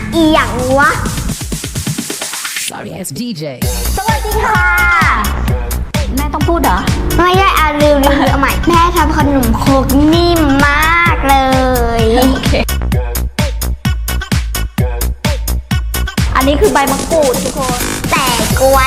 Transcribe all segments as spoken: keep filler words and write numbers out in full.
อีหยังวะ Sorry, it's ดี เจสวัสดีค่ะ แม่ต้องพูดเหรอ ไม่ได้อาลืมลืมเอาใหม่ แม่ทำขนมโครกนิ่มมากเลยโอเค อันนี้คือใบมะกรูดทุกคนแต่กล้วย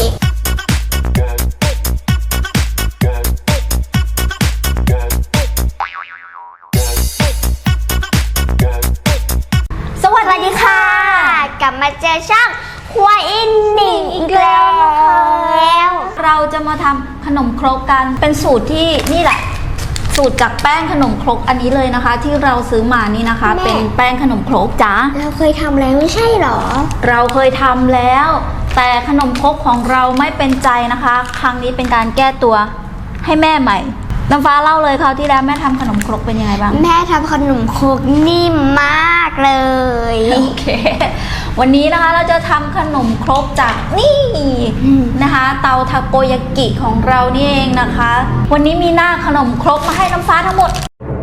สวัสสวัสดีดีค่ะค่ะ กลับมาเจอช่องควายอินนิ่งอีกแล้วเราจะมาทำขนมครกกัน เป็นสูตรที่นี่แหละ สูตรจากแป้งขนมครกอันนี้เลยนะคะ ที่เราซื้อมานี่นะคะ เป็นแป้งขนมครกจ้าเราเคยทำแล้วไม่ใช่เหรอเราเคยทำแล้ว แต่ขนมครกของเราไม่เป็นใจนะคะ ครั้งนี้เป็นการแก้ตัวให้แม่ใหม่น้ำฟ้าเล่าเลยคราวที่แล้วแม่ทำขนมครกเป็นยังไงบ้างแม่ทำขนมโครกนิ่มมากเลยโอเค วันนี้นะคะเราจะทำขนมครกจากนี่นะคะ เตาทาโกยากิของเรานี่เองนะคะ วันนี้มีหน้าขนมครกมาให้น้ำฟ้าทั้งหมด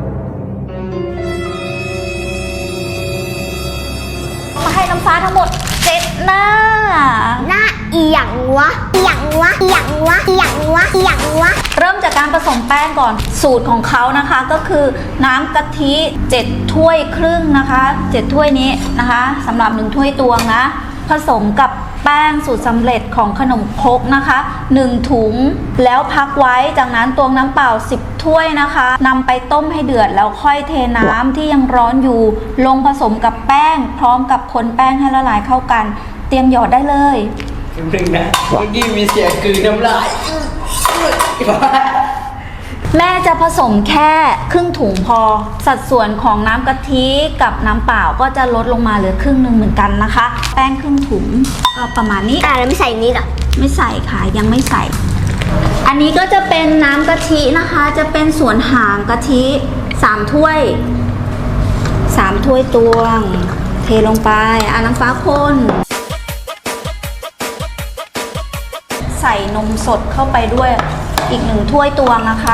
มาให้น้ำฟ้าทั้งหมดเจ็ดหน้าหน้าอีหยังวะอีหยังวะอีหยังวะอีหยังวะอีหยังวะเริ่มจากการผสมแป้งก่อนสูตรของเขานะคะก็คือน้ำกะทิเจ็ดถ้วยครึ่งนะคะเจ็ดถ้วยนี้นะคะสำหรับหนึ่งถ้วยตวงนะผสมกับแป้งสูตรสำเร็จของขนมครกนะคะหนึ่งถุงแล้วพักไว้จากนั้นตวงน้ำเปล่าสิบถ้วยนะคะนำไปต้มให้เดือดแล้วค่อยเทน้ำที่ยังร้อนอยู่ลงผสมกับแป้งพร้อมกับคนแป้งให้ละลายเข้ากันเตรียมหยอดได้เลยจริงๆนะเมื่อกี้มีเสียงกลืนน้ำลายแม่จะผสมแค่ครึ่งถุงพอสัดส่วนของน้ำกะทิกับน้ำเปล่าก็จะลดลงมาเหลือครึ่งหนึ่งเหมือนกันนะคะ แป้งครึ่งถุงก็ประมาณนี้อ่ะแล้วไม่ใส่นี่หรอไม่ใส่ค่ะยังไม่ใส่ อันนี้ก็จะเป็นน้ำกะทินะคะ จะเป็นส่วนหางกะทิสามถ้วยสามถ้วยตวง เทลงไปอ่ะน้ำฟ้าคนใส่นมสดเข้าไปด้วยอีกหนึ่งถ้วยตวงนะคะ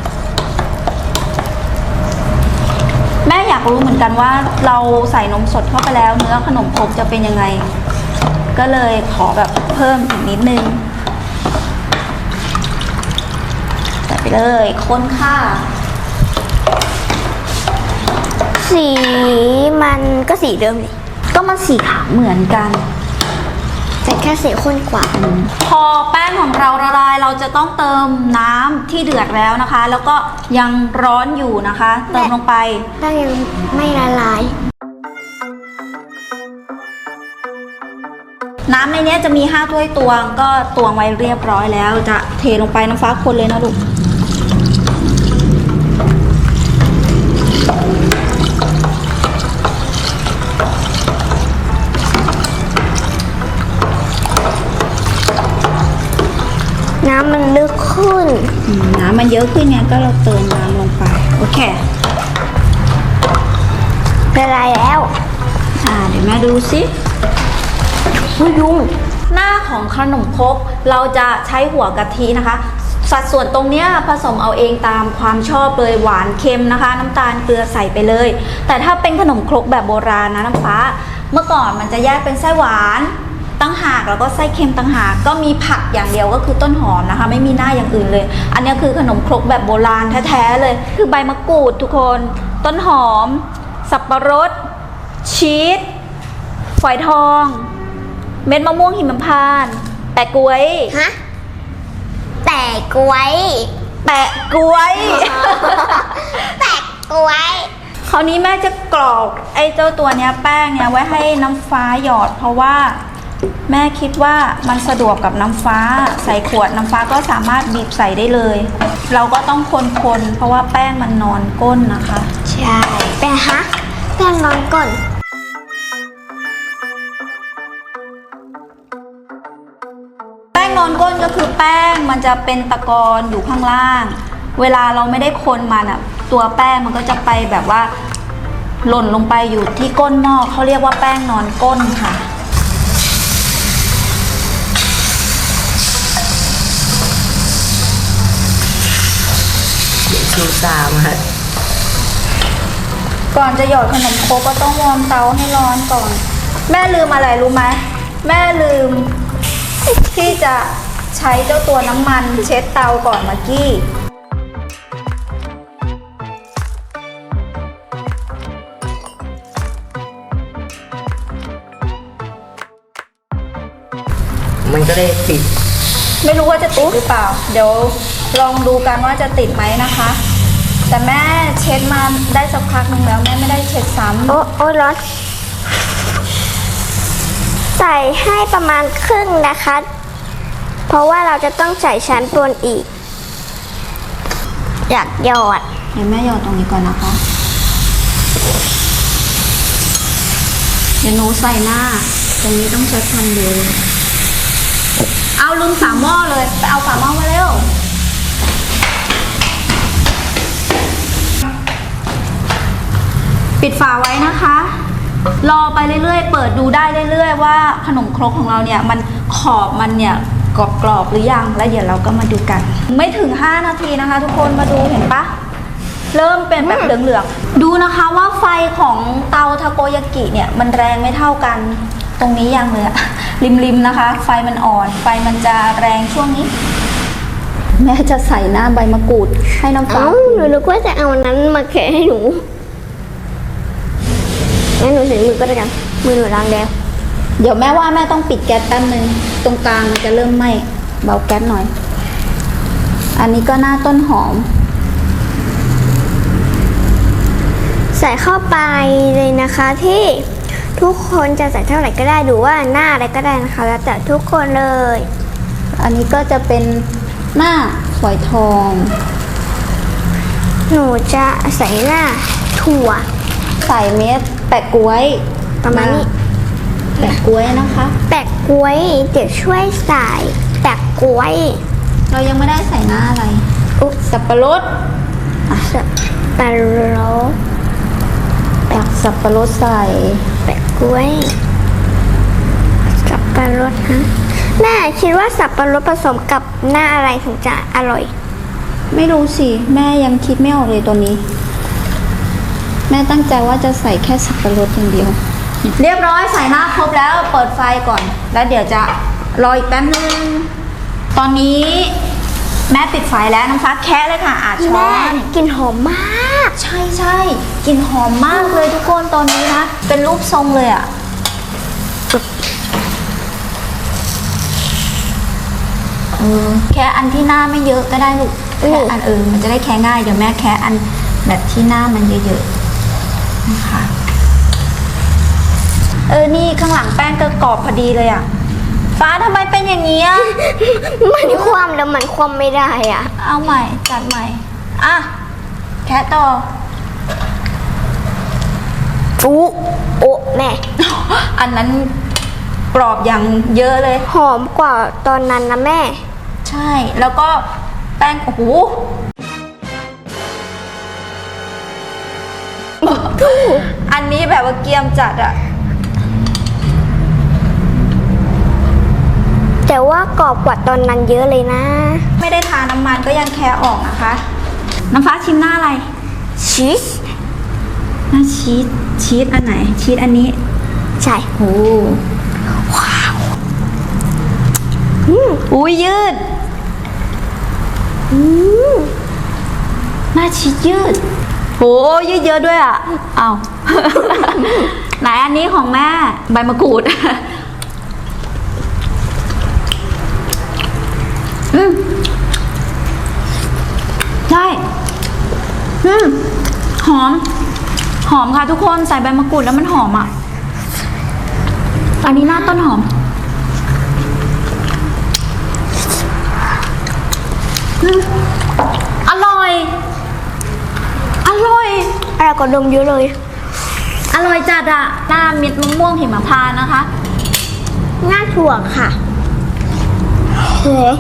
แม่อยากรู้เหมือนกันว่าเราใส่นมสดเข้าไปแล้วเนื้อขนมครกจะเป็นยังไง ก็เลยขอแบบเพิ่มอีกนิดนึงใส่ไปเลยคนค่ะสีมันก็สีเดิมนี่ก็มันสีขาวเหมือนกันแต่แค่สีข้นกว่าพอแป้งของเราละลายเราจะต้องเติมน้ำที่เดือดแล้วนะคะ แล้วก็ยังร้อนอยู่นะคะ เติมลงไปได้ยังไม่ละลายน้ำในนี้จะมีห้าถ้วยตวงก็ตวงไว้เรียบร้อยแล้วจะเทลงไปน้ำฟ้าคนเลยนะลูกน้ำมันลึกขึ้นน้ำมันเยอะขึ้นไงก็เราเติมน้ำลงไปโอเคละลายแล้วอ่าเดี๋ยวแม่ดูสิไม่ยุ่งหน้าของขนมครกเราจะใช้หัวกะทินะคะ สัดส่วนตรงเนี้ยผสมเอาเองตามความชอบเลยหวานเค็มนะคะ น้ำตาลเกลือใส่ไปเลย แต่ถ้าเป็นขนมครกแบบโบราณนะน้ำฟ้า เมื่อก่อนมันจะแยกเป็นไส้หวานตั้งหากแล้วก็ไส้เค็มตั้งหากก็มีผักอย่างเดียวก็คือต้นหอมนะคะ ไม่มีหน้าอย่างอื่นเลย อันนี้คือขนมครกแบบโบราณแท้ๆเลย คือใบมะกรูดทุกคนต้นหอม สับปะรดชีสฝอยทอง เม็ดมะม่วงหิมพานต์แปะกล้วยฮะ แต่กล้วยแปะกล้วยแต่กล้วยคราวนี้แม่จะกรอกไอ้เจ้าตัวเนี้ยแป้งเนี้ยไว้ให้น้ำฟ้าหยอด เพราะว่าแม่คิดว่ามันสะดวกกับน้ำฟ้าใส่ขวดน้ำฟ้าก็สามารถบีบใส่ได้เลย เราก็ต้องคนๆเพราะว่าแป้งมันนอนก้นนะคะใช่แป้งฮะแป้งนอนก่อนแป้งนอนก้นก็คือแป้งมันจะเป็นตะกอนอยู่ข้างล่าง เวลาเราไม่ได้คนมันอ่ะตัวแป้งมันก็จะไปแบบว่าหล่นลงไปอยู่ที่ก้นหม้อเขาเรียกว่าแป้งนอนก้นค่ะสูตรสามฮะก่อนจะหยอดขนมโครกก็ต้องวอร์มเตาให้ร้อนก่อนแม่ลืมอะไรรู้ไหมแม่ลืมที่จะใช้เจ้าตัวน้ำมันเช็ดเตาก่อนเมื่อกี้มันก็เลยติดไม่รู้ว่าจะติดหรือเปล่า เดี๋ยวลองดูกันว่าจะติดไหมนะคะ แต่แม่เช็ดมาได้สักพักหนึงแล้วแม่ไม่ได้เช็ดซ้ำโอ้โอ้ร้อนใส่ให้ประมาณครึ่งนะคะ เพราะว่าเราจะต้องใส่ชั้นบนอีก อยากหยอดเดี๋ยวแม่หยอดตรงนี้ก่อนนะคะ เดี๋ยวหนูใส่หน้า ตรงนี้ต้องใช้ความเร็วเอาลืมฝาหม้อเลยไปเอาฝาหม้อมาเร็ว ปิดฝาไว้นะคะ รอไปเรื่อยๆ เปิดดูได้เรื่อยๆว่าขนมครกของเราเนี่ยมันขอบมันเนี่ยกรอบๆหรือยังแล้วเดี๋ยวเราก็มาดูกัน ไม่ถึงห้านาทีนะคะ ทุกคนมาดูเห็นปะเริ่มเป็นแบบเหลืองๆดูนะคะว่าไฟของเตาทาโกยากิเนี่ยมันแรงไม่เท่ากันตรงนี้ยังเลยอะริมๆนะคะ ไฟมันอ่อน ไฟมันจะแรงช่วงนี้ แม่จะใส่หน้าใบมะกรูดให้น้ำฟ้าเอ้าหนูนึกว่าจะเอาอันนั้นมาแคะให้หนูงั้นหนูใส่มือก็ได้กันมือหนูล้างแล้วเดี๋ยวแม่ว่าแม่ต้องปิดแก๊สแป๊บนึงตรงกลางมันจะเริ่มไหม้เบาแก๊สหน่อย อันนี้ก็หน้าต้นหอมใส่เข้าไปเลยนะคะที่ทุกคนจะใส่เท่าไหร่ก็ได้ดูว่าหน้าอะไรก็ได้นะคะ แล้วแต่ทุกคนเลยอันนี้ก็จะเป็นหน้าฝอยทองหนูจะใส่หน้าถั่วใส่เม็ดแปะก๊วยประมาณนี้แปะก๊วยนะคะแปะกล้วยเดี๋ยวช่วยใส่แปะกล้วยเรายังไม่ได้ใส่หน้าอะไรอุ๊บสับปะรดสับปะรดตักสับปะรดใส่แปะกล้วยสับปะรดฮะแม่คิดว่าสับปะรดผสมกับหน้าอะไรถึงจะอร่อยไม่รู้สิแม่ยังคิดไม่ออกเลยตัวนี้ แม่ตั้งใจว่าจะใส่แค่สับปะรดอย่างเดียว เรียบร้อยใส่หน้าครบแล้วเปิดไฟก่อน แล้วเดี๋ยวจะรออีกแป๊บนึงตอนนี้แม่ปิดไฟแล้วน้ำฟ้าแคะเลยค่ะอาช้อแม่นกลินหอมมากใช่ใช่กลิ่นหอมมากเลยทุกคนตอนนี้นะเป็นรูปทรงเลยอะ่ะเออแค่อันที่หน้าไม่เยอะก็ได้ลูกแค่อันเออมันจะได้แค่ง่ายเดี๋ยวแม่แค่อันแบบที่หน้ามันเยอะๆนะคะเออนี่ข้างหลังแป้งก็กรอบพอดีเลยอะ่ะฟ้าทำไมเป็นอย่างนี้อ่ะมันคว่ำแล้วมันคว่ำไม่ได้อ่ะเอาใหม่จัดใหม่อ่ะแค่ต่ออู้โอ้แม่อันนั้นกรอบอย่างเยอะเลยหอมกว่าตอนนั้นนะแม่ใช่แล้วก็แป้งโอ้โห อันนี้แบบว่าเกรียมจัดอะแต่ว่ากรอบกว่าตอนนั้นเยอะเลยนะไม่ได้ทาน้ำมันก็ยังแค่ออกนะคะ น้ำฟ้าชิมหน้าอะไรชีสหน้าชีสชีสอันไหน ชีสอันนี้ใช่โอ้ว้าวอุ้ยยืดอืมหน้าชีสยืดโหยืดเยอะด้วยอ่ะเอา ไหนอันนี้ของแม่ใบมะกรูด อืมใช่อืมหอม หอมค่ะทุกคนใส่ใบมะกรูดแล้วมันหอมอ่ะ อันนี้หน้าต้นหอมอืมอร่อย อร่อยอะไรก็ดมเยอะเลยอร่อยจัดอะหน้าเม็ดมะม่วงหิมพานต์นะคะหน้าถั่วค่ะเฮ้ย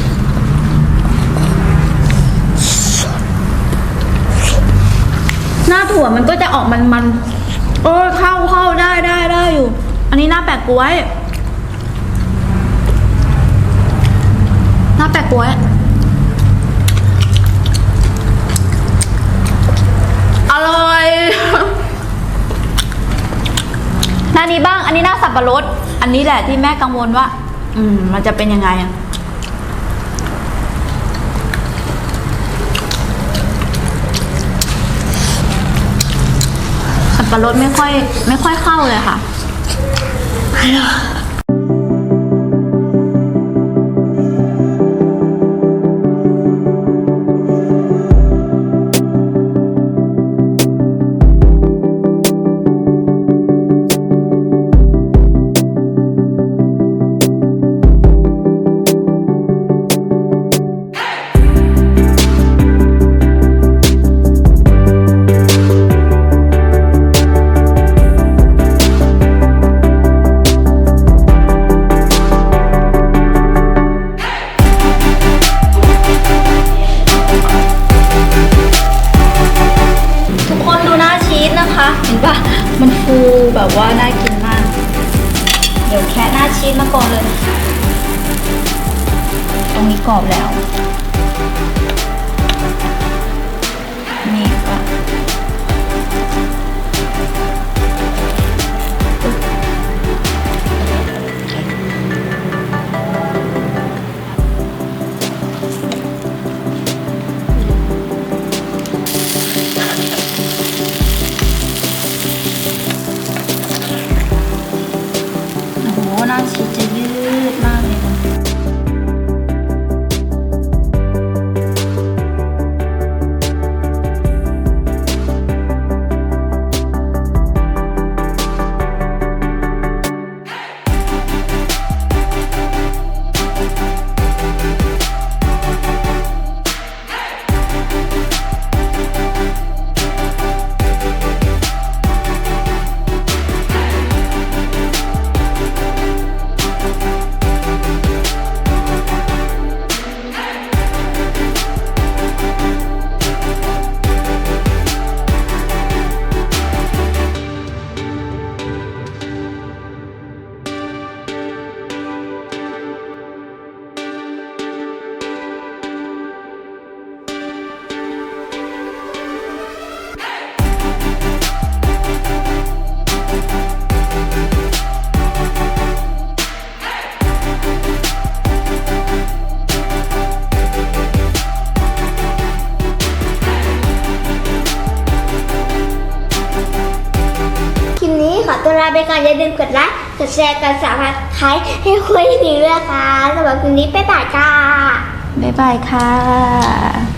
หน้าถั่วมันก็จะออกมันมันๆเออเข้าเข้าได้ได้ได้อยู่ อันนี้หน้าแปะก๊วย หน้าแปะก๊วย อร่อยหน้านี้บ้าง อันนี้หน้าสับปะรด อันนี้แหละที่แม่กังวลว่า อืม มันจะเป็นยังไงอะสับปะรดไม่ค่อย ไม่ค่อยเข้าเลยค่ะ ทุกคนดูหน้าชีสนะคะ เห็นปะมันฟูแบบว่าน่ากินมาก เดี๋ยวแค่หน้าชีสมาก่อนเลย ตรงนี้กรอบแล้ว นี่ก็โอ้โหหน้าชีสจะยืดมากเลยนะตัวลาไปก่อนอย่าลืมกดไลค์กดแชร์กดซับสไครต์ให้คุยถึงด้วยค่ะสำหรับคืนนี้บ๊ายบายค่ะบ๊ายบายค่ะ